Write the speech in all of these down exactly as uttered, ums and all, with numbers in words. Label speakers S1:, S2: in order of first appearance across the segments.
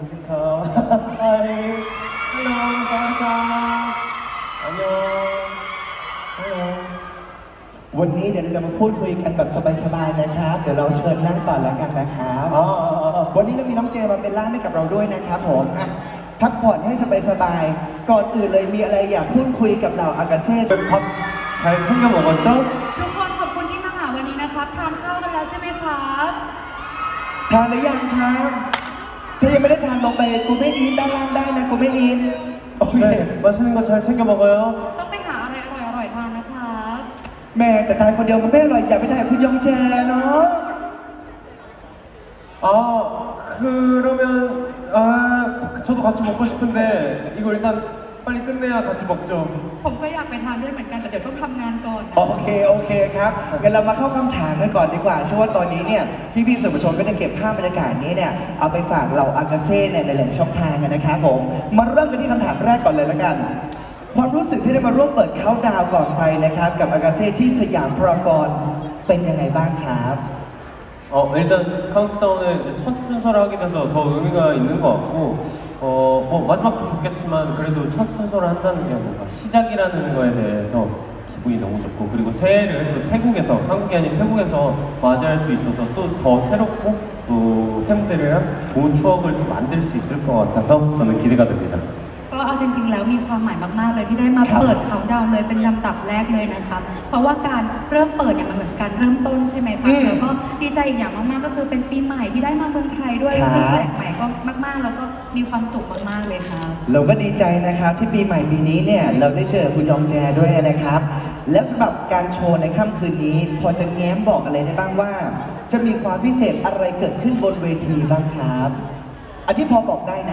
S1: 뮤지컬 하이 헬로 사와디카 안녕 헬로
S2: วันนี้เดี๋ยวเราจะมาพูดคุยกันแบบสบายๆนะครับ เดี๋ยวเราเชิญนั่งก่อนแล้วกันนะครับ
S1: อ๋อ
S2: วันนี้เรามีน้องเจมาเป็นล่ามให้กับเราด้วยนะครับผมอ่ะพักผ่อนให้สบายๆก่อนอื่นเลยมีอะไรอยากพูดคุยกับเราอากาเซ่
S1: 밥잘 챙겨 먹었죠?
S3: ทุกคนขอบคุณที่มาหาวันนี้นะครับทานข้าวกันแล้วใช่ไหมครับ
S2: ทานหรือยังครับถ้ายังไม่ได้ทานลงไปกูไม่อินด้านล่างได้นะกูไม่อินโอเค
S1: 네, 맛있는 거 잘 챙겨 먹어요.
S3: ต้องไปหาอะไรอร่อยๆทานนะครับ
S2: แม่แต่ทานคนเดียวมันไม่อร่อยอยากไปทานกับคุณยองแจเนาะ
S1: 아, 그러면 아, 저도 같이 먹고 싶은데 이거 일단 빨리 끝내야 같이 먹죠.
S3: ผมก็อยากไปทานด้วยเหมือนกันแต่เดี๋ยวต้องทำงานก่อนนะ
S2: โอเคโอเคครับงั้นเรามาเข้าคำถามกันก่อนดีกว่าเชื่อว่าตอนนี้เนี่ยพี่ๆสื่อมวลชนก็จะเก็บภาพบรรยากาศนี้เนี่ยเอาไปฝากเหล่าอากาเซ่เนี่ยในหลายๆช่องทางกันนะครับผมมาเริ่มกันที่คำถามแรกก่อนเลยละกัน ความรู้สึกที่ได้มาร่วมเปิดเขาน์ดาวน์ก่อนใครนะครับกับอากาเซ่ที่สยามพารากอนเป็นยังไงบ้างครับ
S1: 어, 일단 카운트다운은 이제 첫 순서를 하게 돼서 더 의미가 있는 것 같고 어, 뭐 마지막도 좋겠지만 그래도 첫 순서를 한다는 게 뭔가 시작이라는 거에 대해서 기분이 너무 좋고 그리고 새해를 또 태국에서 한국이 아닌 태국에서 맞이할 수 있어서 또 더 새롭고 또 팬들이랑 좋은 추억을 또 만들 수 있을 것 같아서 저는 기대가 됩니다.
S3: ก็เอาจริงๆแล้วมีความหมายมากๆเลยที่ได้มา
S2: ครับ
S3: เปิดเขาน์ดาวน์เลยเป็นลำดับแรกเลยนะครับเพราะว่าการเริ่มเปิดเนี่ยมันเหมือนการเริ่มต้นใช่ไหมครับ
S2: อืม
S3: แล้วก็ดีใจอีกอย่างมากๆก็คือเป็นปีใหม่ที่ได้มาเมืองไทยด้วย
S2: ครับ
S3: ซึ่งแปลกใหม่ก็มากๆ แล้วก็มีความสุขมากๆเลยครับ
S2: เราก็ดีใจนะครับที่ปีใหม่ปีนี้เนี่ยเราได้เจอคุณยองแจด้วยนะครับ แล้วสำหรับการโชว์ในค่ำคืนนี้ พอจะแง้มบอกอะไรได้บ้างว่า จะมีความพิเศษอะไรเกิดขึ้นบนเวทีบ้างครับอันที่พอบอกได้นะ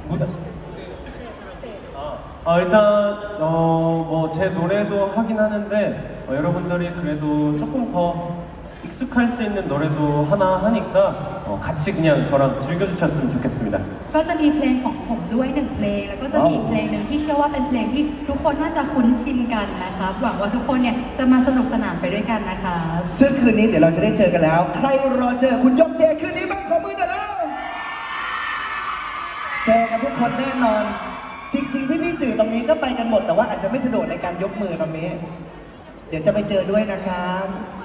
S1: 아, 일단 어, 뭐 제 노래도 하긴 하는데 어, 여러분들이 그래도 조금 더 익숙할 수 있는 노래도 하나 하니까 어, 같이 그냥 저랑 즐겨주셨으면 좋겠습니다.
S3: ก็จะมีเพลงของผมด้วยหนึ่งเพลง แล้วก็จะมีอีกเพลงหนึ่งที่เชื่อว่าเป็นเพลงที่ทุกคนน่าจะคุ้นชินกันนะครับหวังว่าทุกคนเนี่ยจะมาสนุกสนานไปด้วยกันนะครับ
S2: ซึ่งคืนนี้เดี๋ยวเราจะได้เจอกันแล้ว ใครรอเจอคุณยองแจคืนนี้บ้างขอมือหน่อยแล้วเจอกันทุกคนแน่นอน จริงๆพี่ๆสื่อตรงนี้ก็ไปกันหมดแต่ว่าอาจจะไม่สะดวกในการยกมือตรงนี้ เดี๋ยวจะไปเจอด้วยนะครับ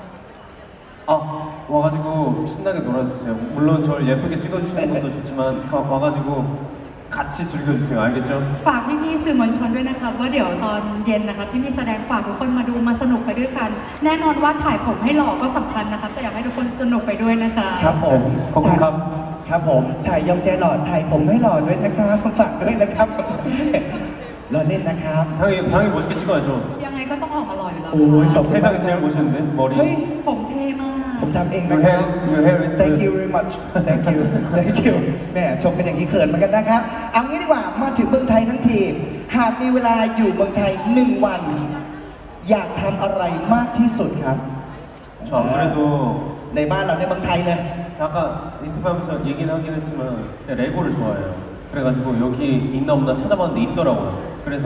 S1: 아, 와가지고 신나게 놀아주세요. 물론 저를 예쁘게 찍어주시는 것도 좋지만 가- 와가지고 같이 즐겨주세요. 알겠죠?
S3: ฝากพี่ๆสื่อมวลชนด้วยนะครับว่าเดี๋ยวตอนเย็นนะครับที่มีแสดงฝากทุกคนมาดูมาสนุกไปด้วยกัน แน่นอนว่าถ่ายผมให้หล่อก็สำคัญนะครับแต่อยากให้ทุกคนสนุกไปด้วยนะคะ
S2: ครับผม
S1: ขอบคุณครับ
S2: ครับผมถ่ายยองแจหล่อถ่ายผมให้หล่อด้วยนะครับฝากด้วยนะครับ รอเล่นนะครับ
S1: 당연히 당연히 멋있게 찍어야죠.
S3: ยังไงก็ต้องออกมาหล่ออยู่แล้ว
S2: โอ้ยขอบคุณ
S1: 세상에 제일 멋있는데
S2: เฮ้ย
S1: 머리.
S3: ผมเท่มาก
S2: ผมทำเอง
S1: Your
S2: นะครับ
S1: hair, your hair is
S2: Thank
S1: good.
S2: you very much Thank you Thank you แหม่ชมเป็นอย่างนี้เขินเหมือนกันนะครับ เอางี้ดีกว่า มาถึงเมืองไทยทั้งที หากมีเวลาอยู่เมืองไทยหนึ่งวัน อยากทำอะไรมากที่สุดครับ
S1: 저 안 그래도
S2: ในบ้านเราในเมืองไทยเลย
S1: 아까 인터뷰하면서 얘기는 하긴 했지만 제가 레고를 좋아해요. 그래가지고 여기 있나 없나 찾아봤는데 있더라고요. 그래서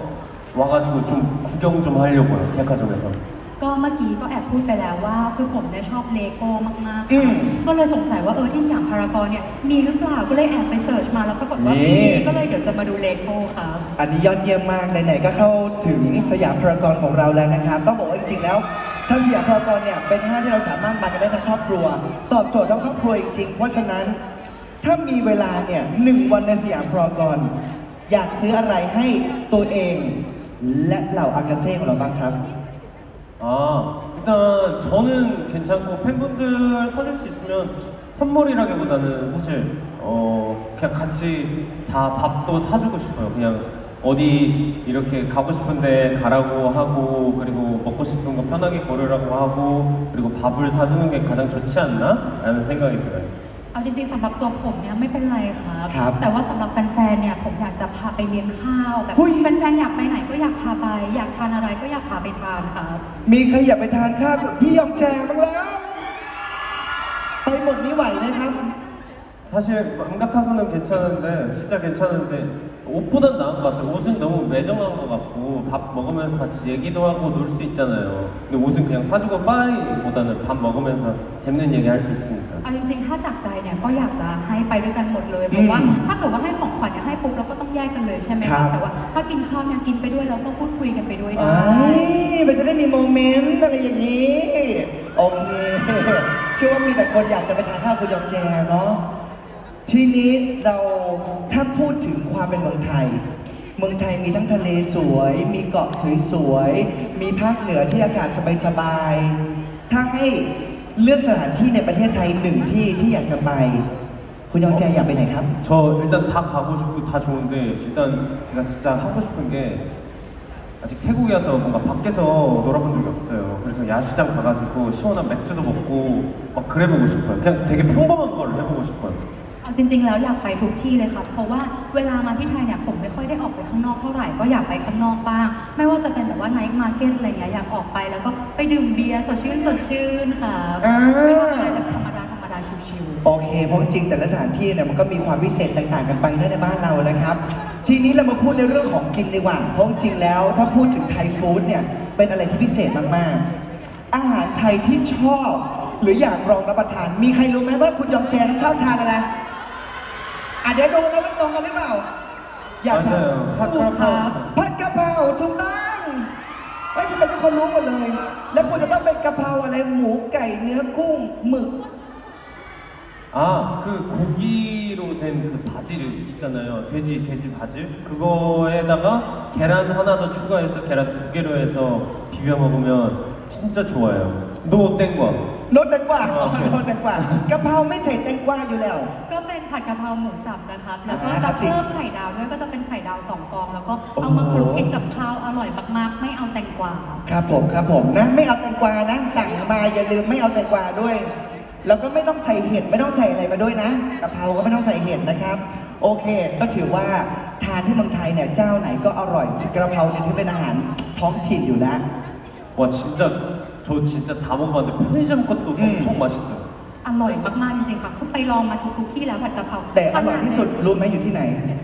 S1: 와가지고 좀 구경 좀 하려고요. 백화점에서.
S3: ก็เมื่อกี้ก็แอบพูดไปแล้วว่าคือผมเนี่ยชอบเลโก้มากๆ
S2: อื
S3: ค่ะ
S2: ม
S3: ก็เลยสงสัยว่าเออที่สยามพารากอนเนี่ยมีหรือเปล่าก็เลยแอบไปเสิร์ชมาแล้วปรากฏว่า
S2: นี่
S3: มีก็เลยเดี๋ยวจะมาดูเลโก้ครับ
S2: อันนี้ยอดเยี่ยมมากไหนๆก็เข้าถึงสยามพารากอนของเราแล้วนะครับ ต้องบอกว่าจริงๆแล้วทางสยามพารากอนเนี่ยเป็นห้างที่เราสามารถมากันได้ทั้งครอบครัว ตอบโจทย์ทั้งครอบครัวจริงๆ เพราะฉะนั้นถ้ามีเวลาเนี่ยหนึ่งวันในสยามพารากอนอยากซื้ออะไรให้ตัวเอง และเหล่าอากาเซ่ของเราบ้างครับ
S1: 아 일단 저는 괜찮고 팬분들 사줄 수 있으면 선물이라기보다는 사실 어 그냥 같이 다 밥도 사주고 싶어요. 그냥 어디 이렇게 가고 싶은데 가라고 하고 그리고 먹고 싶은 거 편하게 고르라고 하고 그리고 밥을 사주는 게 가장 좋지 않나?라는 생각이 들어요.
S3: เอาจริงๆสำหรับตัวผมเนี่ยไม่เป็นไรครับ
S2: ครับ
S3: แต่ว่าสำหรับแฟนๆเนี่ยผมอยากจะพาไปเลี้ยงข้าวแบบ
S2: หุ้ย
S3: แฟนๆอยากไปไหนก็อยากพาไป อยากทานอะไรก็อยากพาไปทานครับ
S2: มีใครอยากไปทานข้าวกับพี่ยองแจบ้างแล้ว ไปหมดนี้ไหวไหมครับ
S1: 사실 맘 같아서는 괜찮은데 진짜 괜찮은데 옷보단 나은 것 같아요. 옷은 너무 매정한 것 같고 밥 먹으면서 같이 얘기도 하고 놀 수 있잖아요. 근데 옷은 그냥 사주고 빠이보다는 밥 먹으면서 재밌는 얘기 할 수 있으니까.
S3: เอาจริงๆ ถ้าจากใจเนี่ยก็อยากจะให้ไปด้วยกันหมดเลยเพราะว่า
S2: อืม
S3: ถ้าเกิดว่าให้ของขวัญเนี่ยให้ปุ๊บเราก็ต้องแยกกันเลยใช่ไหม
S2: ครั
S3: คะ
S2: บ
S3: แต่ว่าถ้ากินข้าวเนี่ยกินไปด้วยเราก็พูดคุยกันไปด้วยได้
S2: ไอ้มันจะได้มีโมเมนต์อะไรอย่างนี้ โอเค เชื่อว่ามีแต่คนอยากจะไปทานข้าวคุณยองแจเนาะ ทีนี้เราถ้าพูดถึงความเป็นเมืองไทย เมืองไทยมีทั้งทะเลสวย มีเกาะสวยๆ มีภาคเหนือที่อากาศสบายๆ ถ้าให้เลือกสถานที่ในประเทศไทยหนึ่งที่ที่อยากจะไป คุณยองแจอยากไปไหนครับ
S1: 저 일단 다 가고 싶고 다 좋은데 일단 제가 진짜 하고 싶은 게 아직 태국에 와서 뭔가 밖에서 놀아본 적이 없어요. 그래서 야시장 가가지고 시원한 맥주도 먹고 막 그래보고 싶어요. 그냥 되게 평범한 걸 해보고 싶어요.
S3: เอาจริงๆ แล้วอยากไปทุกที่เลยค่ะเพราะว่าเวลามาที่ไทยเนี่ยผมไม่ค่อยได้ออกไปข้างนอกเท่าไหร่ก็อยากไปข้างนอกบ้าง ไม่ว่าจะเป็นแบบว่าไนท์มาร์เก็ตอะไรเงี้ยอยากออกไปแล้วก็ไปดื่มเบียร์สดชื่นสดชื่นค่ะ
S2: อ่า
S3: ไปทำอะไรแบบธรรมดาธรรมดาชิว
S2: โอเค เพราะจริงๆแต่ละสถานที่เนี่ยมันก็มีความพิเศษต่างๆกันไปในบ้านเรานะครับ ทีนี้เรามาพูดในเรื่องของกินดีกว่า เพราะจริงๆแล้ว ถ้าพูดถึงไทยฟู้ดเนี่ยเป็นอะไรที่พิเศษมากๆ อาหารไทยที่ชอบ หรืออยากลองรับประทาน มีใครรู้ไหมว่าคุณยองแจชอบทานอะไรอ่ะเดี๋ยวดูนะว่าตรงกันหรือเปล่า อยากทาน
S1: 맞아요. 팥크라파우.
S2: ผัดกะเพราถูกต้องเฮ้ยทำไมทุกคนรู้หมดเลย แล้วควรจะต้องเป็นกะเพราอะไรหมูไก่เนื้อกุ้งหมึก
S1: 아, 그 고기로 된 그 바질 있잖아요. 돼지, 돼지 바질. 그거에다가 계란 하나 더 추가해서 계란 두 개로 해서 비벼 먹으면 진짜 좋아요. 노 땡과.
S2: โนตแตงกวา
S1: โอเค
S2: โนตแตงกวากะเพราไม่ใส่แตงกวาอยู่แล้ว
S3: ๆก็เป็นผัดกะเพราหมูสับนะครับแล้วก็
S2: อ่าครั
S3: จะ
S2: บสิ
S3: เพิ่มไข่ดาวด้วยก็จะเป็นไข่ดาวสองฟอง แล้วก็เอามาคลุกกินกับข้าวอร่อยมากๆ ไม่เอาแตงกวา
S2: ครับผมครับผมนะไม่เอาแตงกวานะ สั่งมาอย่าลืมไม่เอาแตงกวาด้วย แล้วก็ไม่ต้องใส่เห็ดไม่ต้องใส่อะไรมาด้วยนะกะเพราก็ไม่ต้องใส่เห็ดนะครับ โอเค ก็ถือว่าทานที่เมืองไทยเนี่ยเจ้าไหนก็อร่อยกะเพราเนี่ยที่เป็นอาหารท้องถิ่นอยู่แล้ว
S1: 와 진짜 저 진짜 다 먹어봤는데 편의점 것도
S2: 음.
S1: 엄청 맛있어요.
S3: อร่อยมากๆจริงๆค่ะคือไปลองมาทุกๆที่แล้วผัดกะเพรา
S2: แต่อร่อยที่สุดรู้ไหมอยู่ที่ไหน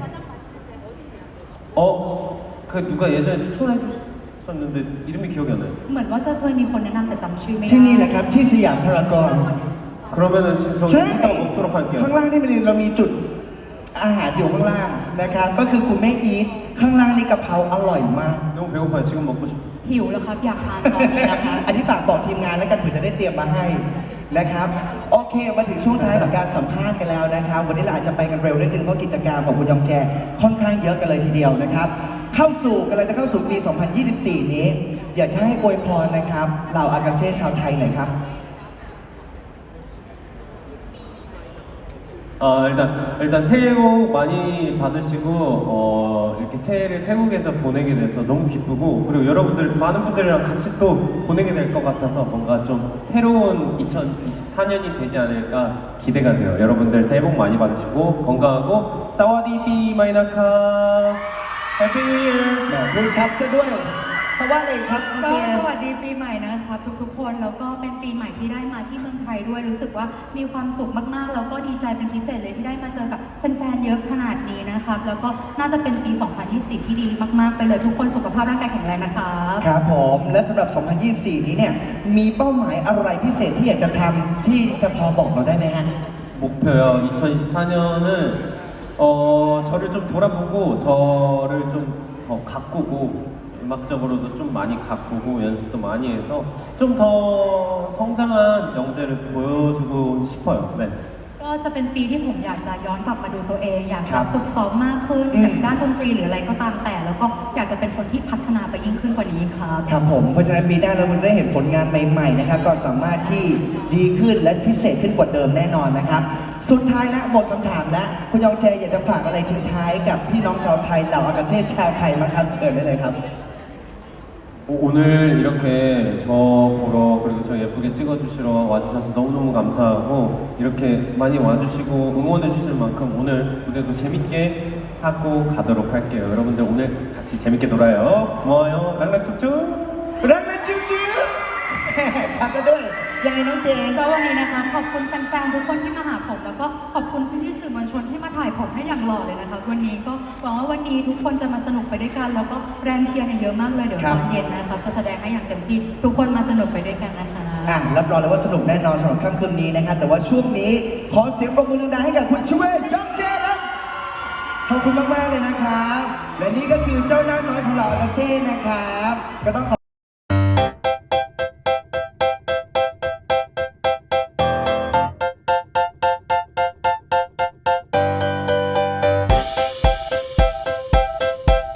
S1: 어? 그 누가 예전에 추천해 줬었는데 이름이 기억이 안 나요.
S3: เหมือนว่าจะเคยมีคนแนะนำแต่จำชื่อไม่ได้
S2: ที่นี่แหละครับที่สยามพารากอน
S1: 그러면은 지금 저
S2: ใช่
S1: 이따 먹도록 할게요.
S2: ข้างล่างนี่มันเรามีจุดอาหารอยู่ข้างล่างนะครับ ก็คือคุณแม่อีทข้างล่างนี่กะเพราอร่อยมาก
S1: 너무 배고파요. 지금 먹고 싶어.
S3: หิวแล้วครับอยากทานตอนนี้แล้วครับ
S2: อันนี้ฝากบอกทีมงานแล้วกันเผื่อจะได้เตรียมมาให้นะครับ โอเค มาถึงช่วงท้ายของการสัมภาษณ์กันแล้วนะครับ วันนี้เราอาจจะไปกันเร็วนิดนึงเพราะกิจกรรมของคุณยองแจค่อนข้างเยอะกันเลยทีเดียวนะครับ เข้าสู่กันเลยจะเข้าสู่ปี สองพันยี่สิบสี่ นี้ อยากจะให้อวยพรนะครับเหล่าอากาเซ่ชาวไทยหน่อยครับ
S1: 어, 일단 일단 새해 복 많이 받으시고 어, 이렇게 새해를 태국에서 보내게 돼서 너무 기쁘고 그리고 여러분들 많은 분들이랑 같이 또 보내게 될 것 같아서 뭔가 좀 새로운 이천이십사 년이 되지 않을까 기대가 돼요. 여러분들 새해 복 많이 받으시고 건강하고 사와디비 마이나카 해피 뉴 이어.
S2: แหมพูดชัดซะด้วย เพราะว่าอะไรครับโอ
S3: ก็
S2: เค
S3: สวัสดีปีใหม่นะครับทุกๆ คนแล้วก็เป็นปีใหม่ที่ได้มาที่เมืองไทยด้วยรู้สึกว่ามีความสุขมากๆแล้วก็ดีใจเป็นพิเศษเลยที่ได้มาเจอกับแฟนๆเยอะขนาดนี้นะครับแล้วก็น่าจะเป็นปี สองพันยี่สิบสี่ ที่ดีมากๆไปเลยทุกคนสุขภาพร่างกายแข็งแรงนะครับ
S2: ครับผม และสำหรับ สองพันยี่สิบสี่ นี้เนี่ย มีเป้าหมายอะไรพิเศษที่อยากจะทำที่จะพอบอกเราได้ไหมฮะ
S1: 목표요. 이천이십사 년은 어, 저를 좀 돌아보고 저를 좀 더 가꾸고 음악적으로도 좀 많이 가꾸고 연습도 많이 해서 좀 더 성장한 영재를 보여주고 싶어요. 네.
S3: ก็จะเป็นปีที่ผมอยากจะย้อนกลับมาดูตัวเอง อยาก
S2: ครั
S3: จะ
S2: บ
S3: ฝึกซ้อมมากขึ้น
S2: อืม
S3: กับด้านดนตรีหรืออะไรก็ตามแต่ แล้วก็อยากจะเป็นคนที่พัฒนาไปยิ่งขึ้นกว่านี้ครับ
S2: ครับผม เพราะฉะนั้นปีหน้าเราได้เห็นผลงานใหม่ๆนะครับ ก็สามารถที่ดีขึ้นและพิเศษขึ้นกว่าเดิมแน่นอนนะครับ สุดท้ายและหมดคำถามแล้วคุณยองแจอยากจะฝากอะไรทิ้งท้ายกับพี่น้องชาวไทยเหล่าอากาเซ่ชาวไทยมั้งครับ เชิญได้เลยครับ
S1: 오- 오늘 이렇게 저 보러 그리고 저 예쁘게 찍어주시러 와주셔서 너무너무 감사하고 이렇게 많이 와주시고 응원해주시는 만큼 오늘 무대도 재밌게 하고 가도록 할게요. 여러분들 오늘 같이 재밌게 놀아요. 고마워요. 랑랑쭉쭉.
S2: รักนะจิ๊บจิ๊บ ชักกันด้วยยังไงน้องเจน
S3: ก็วันนี้นะคะขอบคุณแฟนๆทุกคนที่มาหาผมแล้วก็ขอบคุณพี่ๆสื่อมวลชนที่มาถ่ายผมให้อย่างหล่อเลยนะคะวันนี้ก็หวังว่าวันนี้ทุกคนจะมาสนุกไปด้วยกัน แล้วก็แรงเชียร์เนี่ยเยอะมากเลยเดี๋ยว
S2: ครั
S3: ต
S2: บ
S3: อนเย็นนะครับจะแสดงให้อย่างเต็มที่ทุกคนมาสนุกไปด้วยกันนะคะ
S2: อ่ะรับรองเลยว่าสนุกแน่นอนสำหรับค่ำคืนนี้นะครับแต่ว่าช่วงนี้ขอเสียงปรบมือดังๆให้กับคุณชเวทยองเจครับขอบคุณมากๆเลยนะครับและนี่ก็คือเจ้าหน้าน้อยของเราอาเซ่นะครับก็ต้องขอ